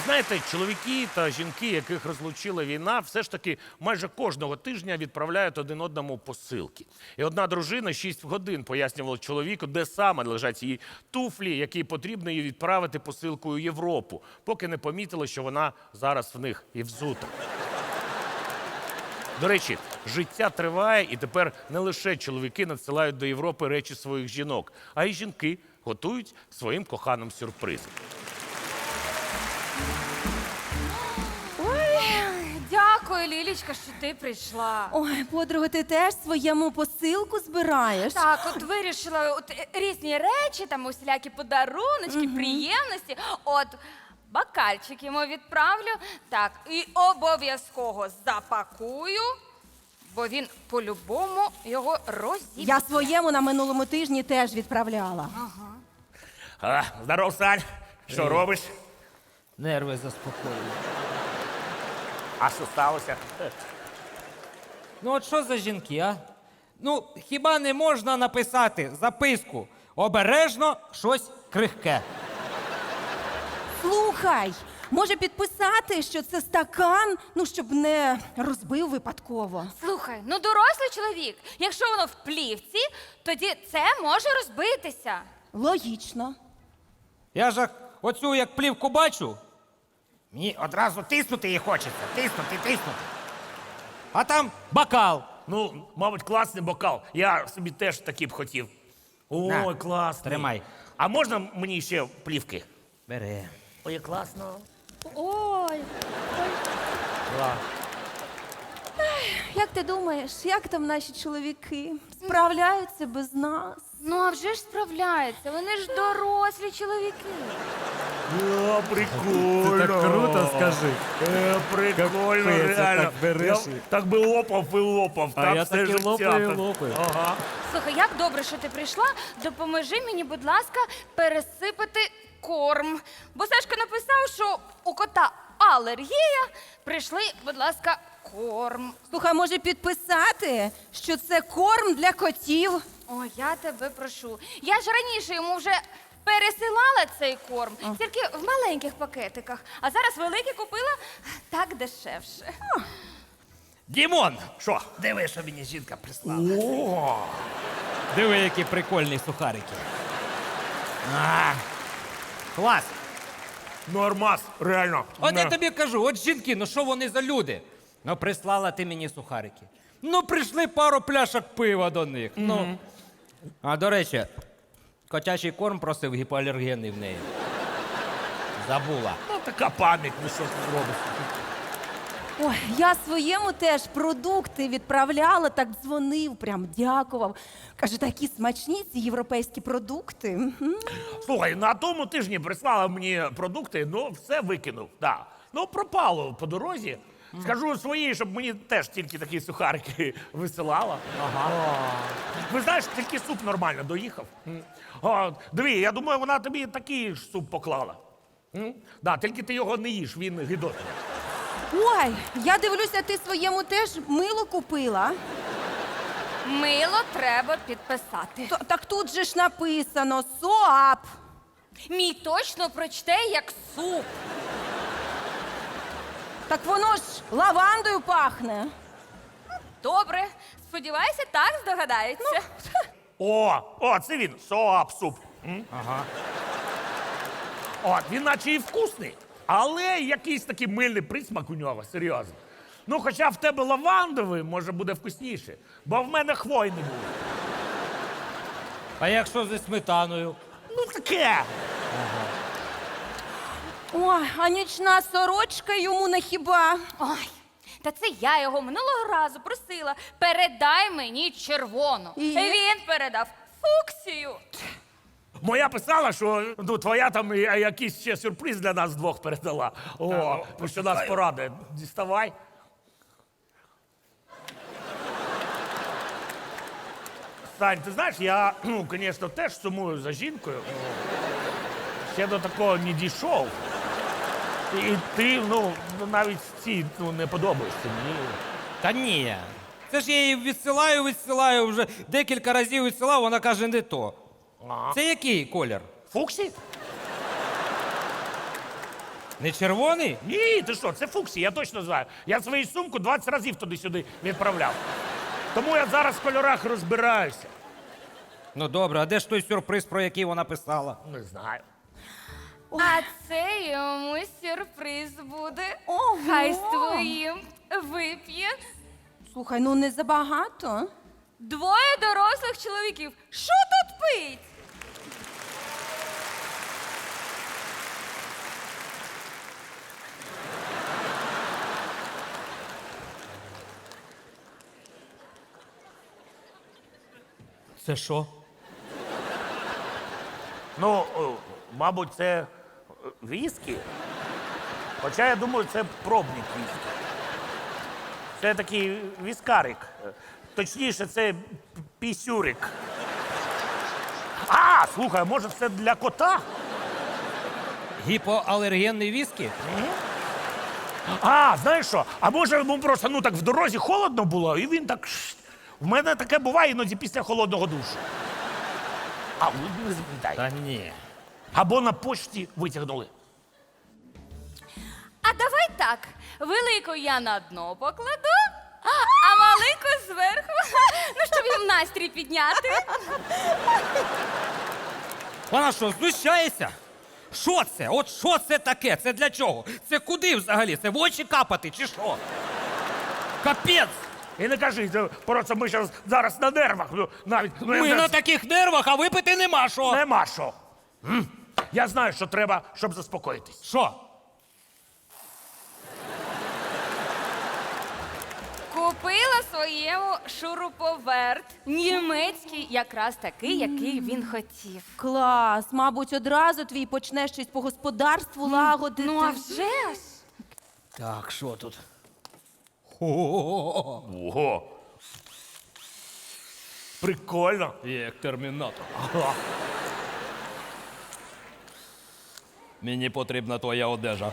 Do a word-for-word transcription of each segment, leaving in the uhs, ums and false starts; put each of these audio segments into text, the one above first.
знаєте, чоловіки та жінки, яких розлучила війна, все ж таки майже кожного тижня відправляють один одному посилки. І одна дружина шість годин пояснювала чоловіку, де саме лежать її туфлі, які потрібно їй відправити посилкою у Європу, поки не помітила, що вона зараз в них і взута. До речі, життя триває, і тепер не лише чоловіки надсилають до Європи речі своїх жінок, а й жінки готують своїм коханим сюрприз. Ой, дякую, Лілічка, що ти прийшла. Ой, подруга, ти теж своєму посилку збираєш? Так, от вирішила от, е, різні речі, там усілякі подаруночки, приємності. От бокальчик йому відправлю. Так, і обов'язково запакую, бо він по-любому його розіб'є. Я своєму на минулому тижні теж відправляла. А, здоров, Сань. Що робиш? Нерви заспокоюю. А що сталося? Ну от що за жінки, а? Ну, хіба не можна написати записку? Обережно щось крихке. Слухай, може підписати, що це стакан, ну, щоб не розбив випадково. Слухай, ну дорослий чоловік, якщо воно в плівці, тоді це може розбитися. Логічно. Я ж оцю як плівку бачу, мені одразу тиснути її хочеться. Тиснути, тиснути. А там бокал. Ну, мабуть, класний бокал. Я собі теж такий б хотів. Ой, На, класний. тримай. А можна мені ще плівки? Бери. Ой, класно. Ой. Як ти думаєш, як там наші чоловіки? Справляються без нас? Ну, а вже ж справляються, вони ж дорослі чоловіки. О, прикольно. Ти так круто скажи. Е, прикольно, Капець, реально. так береш Я і- так би лопав і лопав. А так я все так і життя. лопаю, і так. лопаю. Ага. Слухай, як добре, що ти прийшла. Допоможи мені, будь ласка, пересипати корм. Бо Сашка написав, що у кота алергія. Прийшли, будь ласка, корм. Слухай, може підписати, що це корм для котів? О, я тебе прошу. Я ж раніше йому вже пересилала цей корм, тільки в маленьких пакетиках. А зараз великий купила так дешевше. Дімон! Що? Диви, що мені жінка прислала. О, Диви, які прикольні сухарики. А, клас! нормас, реально. От я Не. тобі кажу, от жінки, ну що вони за люди? Ну, прислала ти мені сухарики. Ну, прийшли пару пляшок пива до них. Ну. А до речі, котячий корм просив гіпоалергенний в неї. Забула. Ну, така пам'ять, ну що ти зробиш? Ой, я своєму теж продукти відправляла, так дзвонив, прям дякував. Каже, такі смачні ці європейські продукти. Мгм. Слухай, на тому тижні прислала мені продукти, ну все викинув. Да. Ну, пропало по дорозі. Скажу своїй, щоб мені теж тільки такі сухарики висилала. Ага. Ви знаєш, тільки суп нормально доїхав. М. О, диви, я думаю, вона тобі такий ж суп поклала. М? Да, тільки ти його не їш, він гидотний. Ой, я дивлюся, ти своєму теж мило купила. Мило треба підписати. Т- Так тут же ж написано СОАП. Мій точно прочте як суп. Так воно ж лавандою пахне. Добре, сподіваюся, так здогадається. О, о, це він, соап суп. М? Ага. От, він наче і вкусний, але якийсь такий мильний присмак у нього, серйозно. Ну, хоча в тебе лавандовий, може, буде вкусніше, бо в мене хвойний був. А якщо зі сметаною? Ну, таке. Ой, а нічна сорочка йому не хіба. Ой, та це я його минулого разу просила. Передай мені червону. І? Він передав фуксію. Моя писала, що ну, твоя там і- якийсь ще сюрприз для нас двох передала. О, ну, що нас порадує. Діставай. Сань, ти знаєш, я, ну, звісно, теж сумую за жінкою. Ну, ще до такого не дійшов. І ти, ну, навіть ці ну, не подобаєшся мені. Та ні. Це ж я її відсилаю, відсилаю, вже декілька разів відсилав, вона каже, не то. Ага. Це який колір? Фуксі? Не червоний? Ні, ти що, це Фуксі, я точно знаю. Я свою сумку двадцять разів туди-сюди відправляв. Тому я зараз в кольорах розбираюся. Ну добре, а де ж той сюрприз, про який вона писала? Не знаю. А це йому сюрприз буде. Ого! Хай з твоїм вип'є Слухай, ну не забагато. двоє дорослих чоловіків. Що тут пить? Це що? Ну, о, мабуть, це е, віскі. Хоча я думаю, це пробник віскі. Це такий віскарик. Е, Точніше, це п- пісюрик. А, слухай, може це для кота? Гіпоалергенний віскі? А, знаєш що? А може йому просто ну так в дорозі холодно було, і він так. ш- В мене таке буває іноді після холодного душу. А, ну, не запам'ятай. Та ні. Або на почті витягнули. А давай так. Велику я на дно покладу, а маленьку зверху. Ну, щоб їм настрій підняти. Вона що, знущається? Що це? От що це таке? Це для чого? Це куди взагалі? Це в очі капати чи що? Капець! І не кажи, це просто ми щас зараз на нервах. Ну, навіть ну, я Ми вже- на таких нервах, а випити нема що. Нема що. М? Я знаю, що треба, щоб заспокоїтись. Що? Купила своєму шуруповерт. Німецький, якраз такий, який він хотів. Клас, мабуть, одразу твій почне щось по господарству лагодити. Ну, а вже ж. Так, що тут? О, Ого. Прикольно. як термінатор. Ага. Мені потрібна твоя одежа.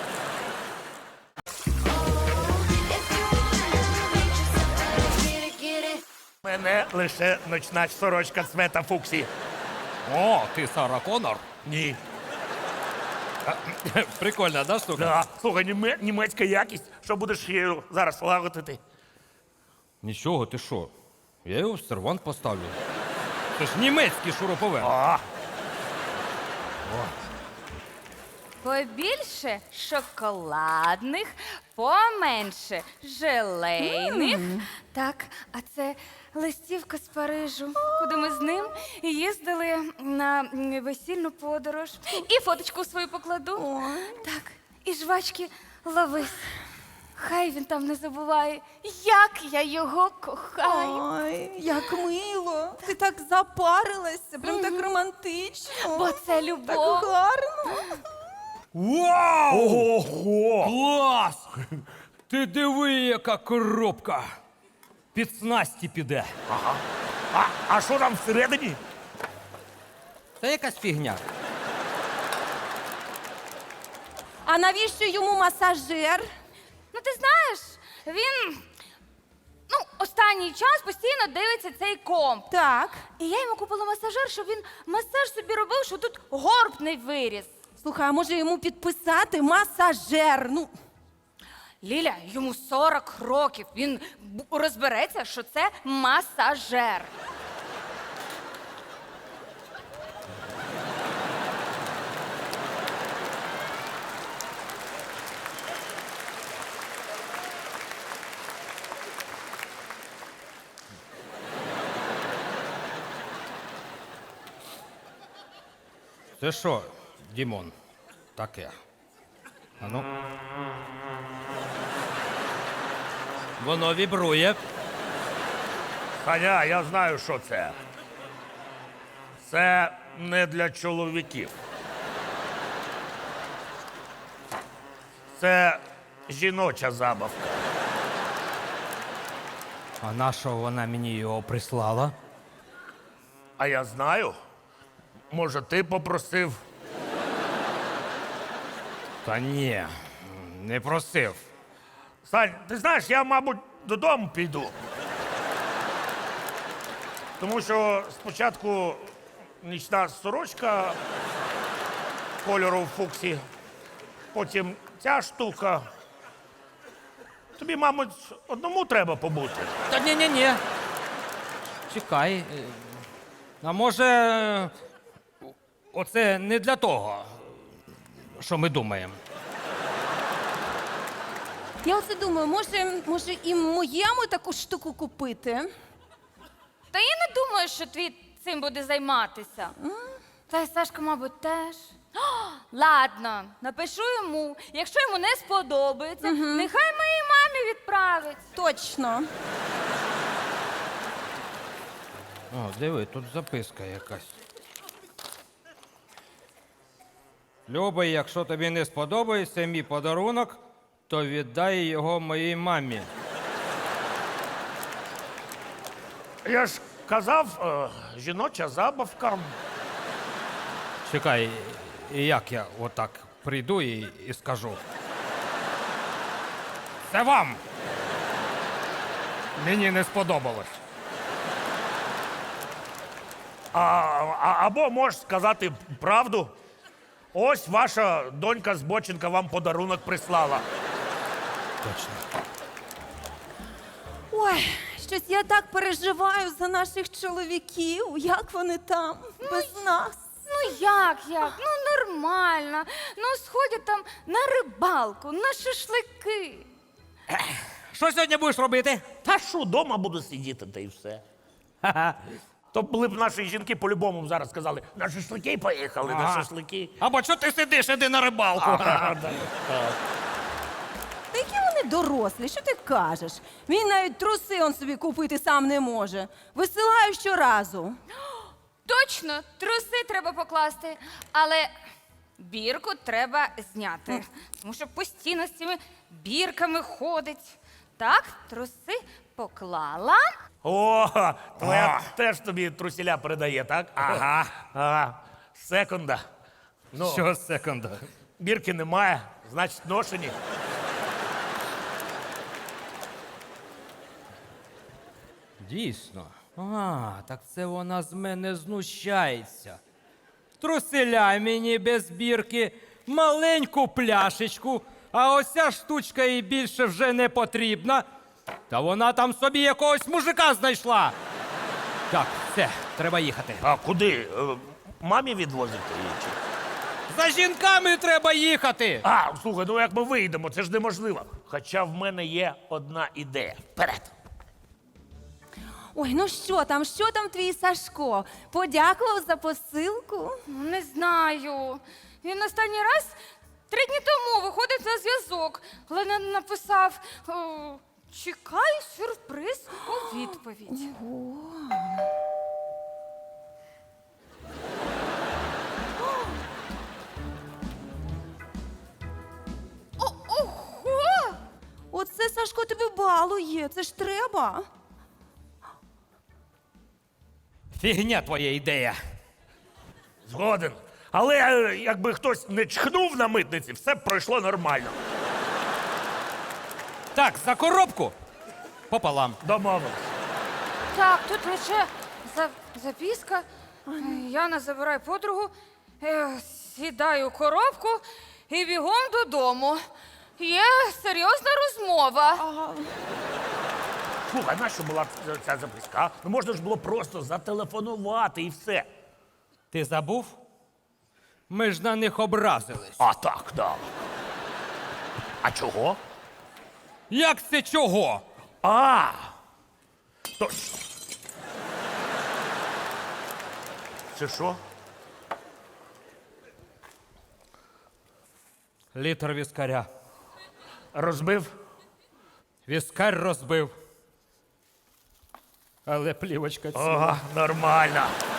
Мене лише ночна сорочка цвета Фуксі. О, ти Сара Коннор? Ні. Прикольна, да, штука? Да. Слухай, німе- німецька якість. Що будеш її зараз лагодити? Нічого, ти що? Я його в сервант поставлю. Це ж німецький шуруповерт. А, Побільше шоколадних, поменше желейних. Так, а це листівка з Парижу, куди ми з ним їздили на м, весільну подорож. І фоточку свою покладу. Так, і жвачки ловись. Хай він там не забуває, як я його кохаю. Ой, як мило. Ти так запарилася, прям так романтично. Бо це Так любов. гарно. Вау! ого! Клас! Ти диви, яка коробка! Під снасті піде. А, а що там всередині? Це якась фігня. А навіщо йому масажер? Ну, ти знаєш, він ну, останній час постійно дивиться цей комп. Так. І я йому купила масажер, щоб він масаж собі робив, що тут горб не виріс. Слухай, а може йому підписати масажер? Ну, Ліля, йому сорок років. Він б- розбереться, що це масажер. Це що, Дімон? Таке. А ну. Воно вібрує. Ханя, я знаю, що це. Це не для чоловіків. Це жіноча забавка. А на що вона мені його прислала? А я знаю. Може, ти попросив? Та ні, не просив. Сань, ти знаєш, я, мабуть, додому піду. Тому що спочатку нічна сорочка кольору Фуксі, потім ця штука. Тобі, мабуть, одному треба побути. Та ні-ні-ні. Чекай. е, А може, е, оце не для того, що ми думаємо. Я оце думаю, може, може і моєму таку штуку купити? Та я не думаю, що твій цим буде займатися. Та й Сашка, мабуть, теж. О, ладно, напишу йому. Якщо йому не сподобається, нехай моїй мамі відправить. Точно. О, диви, тут записка якась. Любий, якщо тобі не сподобається мій подарунок, то віддай його моїй мамі. Я ж казав, е, жіноча забавка. Чекай, і як я отак прийду і, і скажу? Це вам! Мені не сподобалось. А, а, або можеш сказати правду. Ось ваша донька Збоченка вам подарунок прислала. Точно. Ой, щось я так переживаю за наших чоловіків. Як вони там без нас? Ну як, як? Ну нормально. Ну сходять там на рибалку, на шашлики. Що сьогодні будеш робити? Та що, дома буду сидіти, та й все. То були б наші жінки по-любому зараз сказали, на шашлики поїхали, на Ага. шашлики. Або що ти сидиш, іди на рибалку. Ага, да. Та які вони дорослі, що ти кажеш? Він навіть труси он собі купити сам не може. Висилаю щоразу. Точно, труси треба покласти, але бірку треба зняти. Тому що постійно з цими бірками ходить. Так, труси поклала. О, твоя теж тобі трусіля передає, так? Ага. Ага. Секунда. Ну, Що секунда? бірки немає, значить ношені. Дійсно. А, так це вона з мене знущається. Труселя мені без бірки, маленьку пляшечку, а ось ця штучка їй більше вже не потрібна. Та вона там собі якогось мужика знайшла. Так, все, треба їхати. А куди? Е, Мамі відвозити її? чи? За жінками треба їхати. А, слухай, ну як ми вийдемо, це ж неможливо. Хоча в мене є одна ідея. Вперед! Ой, ну що там, що там твій Сашко? Подякував за посилку? Ну, не знаю. Він останній раз три дні тому виходить на зв'язок, але не написав о, чекай сюрприз у відповідь. О, ого! Оце Сашко тебе балує, це ж треба. Фігня твоя ідея. Згоден. Але е, якби хтось не чхнув на митниці, все б пройшло нормально. Так, за коробку пополам. Домовились. Так, тут лише за- записка. Яна забирає подругу, е, сідаю у коробку і бігом додому. Є серйозна розмова. Слухай, нащо була ця- ця записка? Ну можна ж було просто зателефонувати і все. Ти забув? Ми ж на них образились. А так, да. А чого? Як це чого? А! То... Це що? Літр віскаря. Розбив? Віскар розбив. Але плівочка ціла. Ага, нормально.